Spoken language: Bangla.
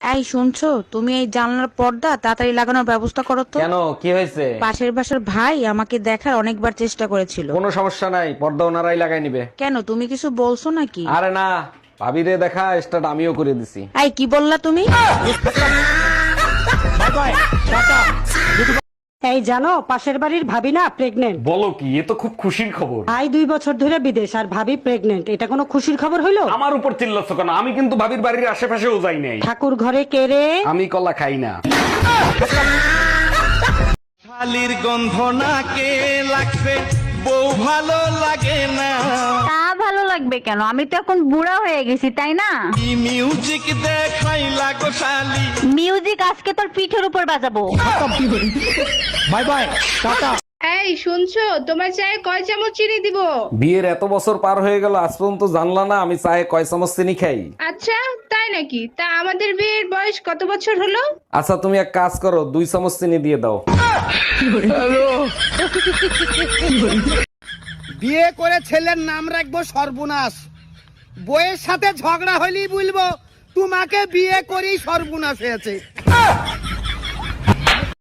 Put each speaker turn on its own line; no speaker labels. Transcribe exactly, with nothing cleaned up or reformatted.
এই শুনছো, তুমি এই জানলার পর্দা তাড়াতাড়ি লাগানোর ব্যবস্থা করো তো।
কেন, কি হয়েছে?
পাশের বাসার ভাই আমাকে দেখার অনেকবার চেষ্টা করেছিল।
কোনো সমস্যা নাই, পর্দা ওনারাই লাগাই নিবে।
কেন, তুমি কিছু বলছো নাকি?
আরে না, ভাবিরে দেখা স্টার্ট আমিও করে দিছি।
এই কি বললা তুমি?
এই জানো, পাশের বাড়ির ভাবি না প্রেগনেন্ট।
বলো কি, এ তো খুব খুশির খবর।
ভাই দুই বছর ধরে বিদেশ আর ভাবি প্রেগনেন্ট, এটা কোনো খুশির খবর হইলো?
আমার উপর চিল্লাচ্ছ কেন? আমি কিন্তু ভাবির বাড়ির আশেপাশেও যাই নাই।
ঠাকুর ঘরে কে রে?
আমি কলা খাই না।
শালির গন্ধ নাকে লাগছে, বউ ভালো লাগে না।
তা ভালো লাগবে কেন? আমি তো এখন বুড়া হয়ে গেছি, তাই না?
কি মিউজিক দেখাই লাগো শালি।
মিউজিক আজকে তোর পিঠের উপর বাজাবো।
Bye bye, tata.
এই শুনছো, তোমার চায়ে কয় চামচ চিনি দিব?
বিয়ের এত বছর পার হয়ে গেল, আজ পর্যন্ত জানলা না আমি চায়ে কয় চামচ চিনি খাই?
আচ্ছা তাই নাকি? তা আমাদের বিয়ের বয়স কত বছর হলো?
আচ্ছা তুমি এক কাজ করো, দুই চামচ চিনি দিয়ে দাও।
বিয়ে করে ছেলের নাম রাখবো সর্বনাশ, বইয়ের সাথে ঝগড়া হলেই বলবো তোমাকে বিয়ে করেই সর্বনাশ হয়েছে।